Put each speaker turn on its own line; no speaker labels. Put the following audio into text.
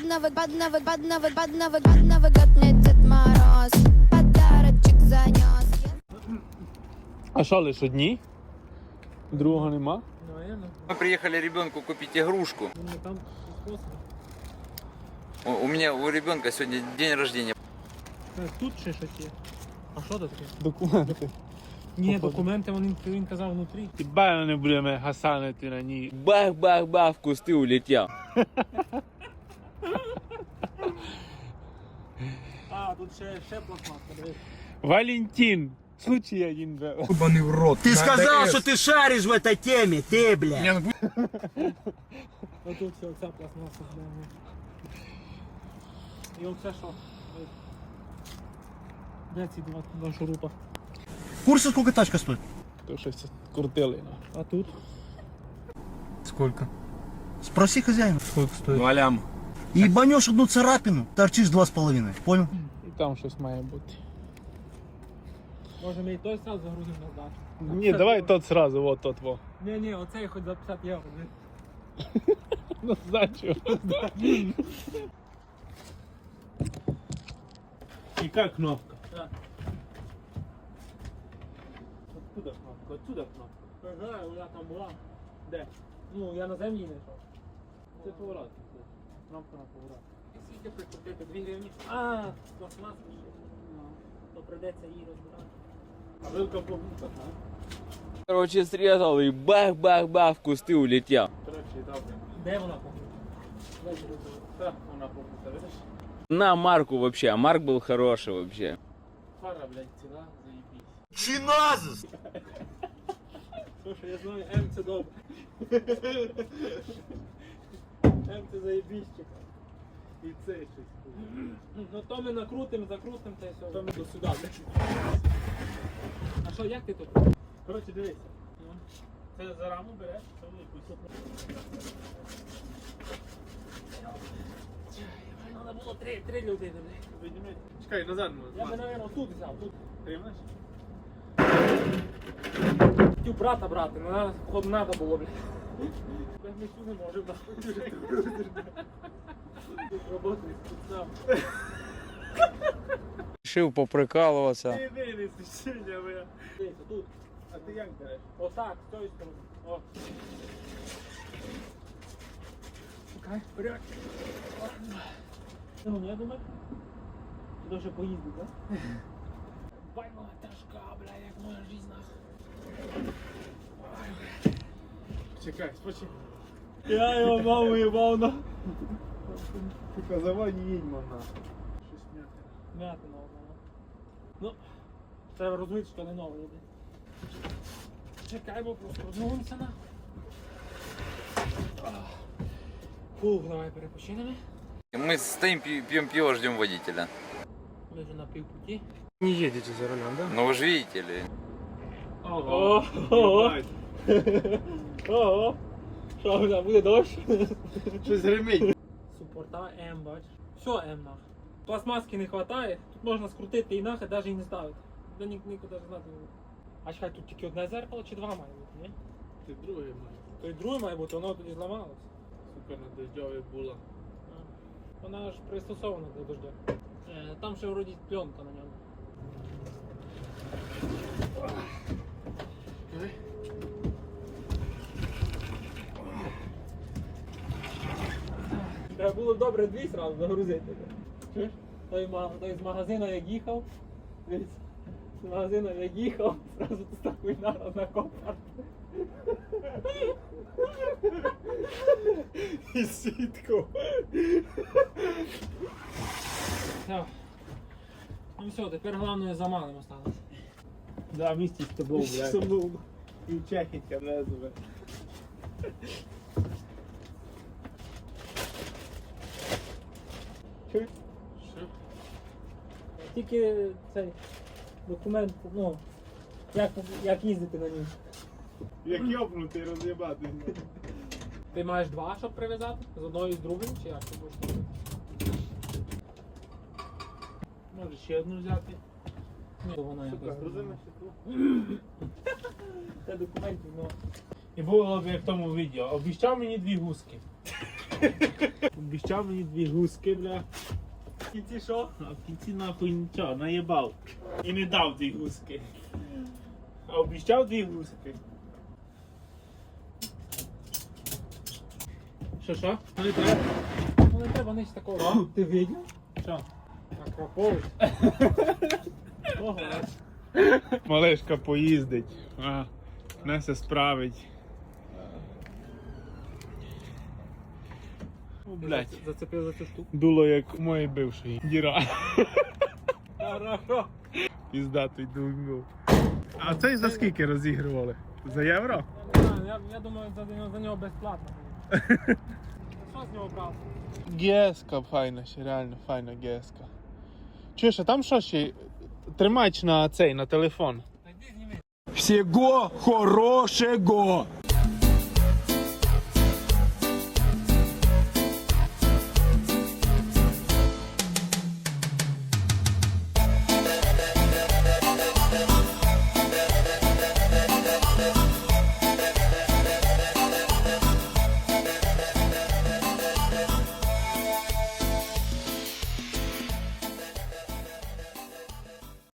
Дед Мороз подарочек занес.
А що, лиш одні? Другого нема?
Наверное.
Мы приехали ребенку купить игрушку.
Думаю, там способ.
У ребенка сегодня день рождения.
Тут ще щось є. А що це таке?
Документи.
Ні,
Походу.
документи він казав внутрі.
Хіба не будемо гасанити на ній.
Бах-бах-бах, в кусты улетел.
А, тут ще пластмаска, дивись.
Валентин! Случай один был.
Ебаный в рот.
Ты сказал, что ты шаришь в этой теме, ты, блядь.
Отут все, ця пластмаса. І оце що? Де ці два шурупа?
В курсе, сколько тачка стоит?
То щось крутили.
А тут?
Сколько?
Спроси хозяина.
Сколько стоит?
Ну, алям.
Ебанешь одну царапину, торчишь 2,5. Понял?
І там щось має бути.
Може ми і той сразу загрузимо на здачу?
Ні, давай тот сразу, вот тот во.
Ні, оцей хоч за 50 євро.
На сдачу. И как кнопка?
Откуда кнопка? Отсюда кнопка. Не знаю, вона там була. Де? Ну, я на землі не йшов.
Це поворот.
Кнопка на поворот. Скільки прикрутити? 2 гривні? А, пластмаска ще. То прийдеться її розбирати.
А вилка побута,
Короче, срезал и бах-бах-бах, в кусты улетел.
Короче, добре.
Де вона побута?
Так, вона побута, видиш?
На Марку вообще, а Марк был хороший вообще.
Фара, блядь, ціла, заебись.
Чиназис!
Слушай, я знаю, М це добре. М це заєбіщик.
І це щось.
Ну то ми накрутимо, закрутимо та й все.
Там до сюди, блядь.
А що, як ти тут?
Короче, дивися. Це за раму береш, це велику.
Треба було три людини.
Підніми. Чекай, назад
Я би,
можна.
мабуть, тут взяв, тут.
Тримаєш?
Хотів брата брати, але походу треба було, блядь. Ми цю не можемо, роботи спецнав.
Решил поприкалываться.
Ти винеси сьогодні, бля.
Дивіться, тут.
А ти як береш?
Отак, з тої сторони. О. Чекай, вперед. Ну, я думаю, туди вже поїздить, так? Байма тяжка, бля, як моя жизнь, нахуй.
Чекай, спочи.
Я його маму їбав, на.
Сука, завай не їдь, мана. Щось м'яке.
М'яти нового. Ну, треба розуміти, що не нове йде. Чекай, бо просто розмовимося, нахуй. Фух, давай перепочинемо.
Мы стоим, пьем пиво, ждем водителя.
Ми вже на півпуті.
Не едете за рулем, да?
Ну вы же видите ли.
Ого, ого, ого. Що, бля, буде дощ?
Щось гримить.
Супорта М, бач. Все М нах. Пластмаски не вистачає, тут можна скрутити і нахи, навіть і не ставити. Де нікуди знати не буде. А чекай, тут тільки одне зеркало чи два має бути, ні?
Ти другий має.
То й друге має бути, воно тоді зламалось.
Сука, на дождьові була.
Вона ж пристосована для дождя. Там ще вроді пленка на ньому. Треба було добре дві сразу загрузити. Чуєш? Той з магазину як їхав. Дивіться, з магазину як їхав, зразу тут такий нараз на копар.
І сітку.
Все. Ну все, тепер головне замалим осталось.
Да, місті з тобою, блядь. Сумнув. І чехітка лезове.
Чуєш?
Що?
Тільки цей документ, ну, як їздити на ній.
Як йобнутий роз'єбати.
Ти маєш два, щоб прив'язати? З одною і з другою, чи як ти будеш робити?
Може ще одну взяти.
Ні, то вона
Сука,
якось.
грузимо стекло.
Це документів, ну.
І було б як в тому відео. Обіщав мені 2 гуски. Обіщав мені 2 гуски, бля.
В кінці що?
А в кінці нахуй нічого, наїбав. І не дав 2 гуски. А обіщав 2 гуски. Що? Ну не треба.
Ну не треба нич такого. Ти видів?
Що?
Акропович.
Ого. Малешка поїздить. Не все справить. О, блядь.
Зацепив за цю штуку.
Дуло як у моєї бившої. Діра.
Хорошо.
Піздатий дунгу. А цей за скільки розігрували? За євро?
Я думаю, за нього безплатно. Що з нього брав?
Геска файна ще, реально файна геска. Чуєш, а там що ще? Тримач на цей, на телефон.
Та йди зніми.
Всего хорошего.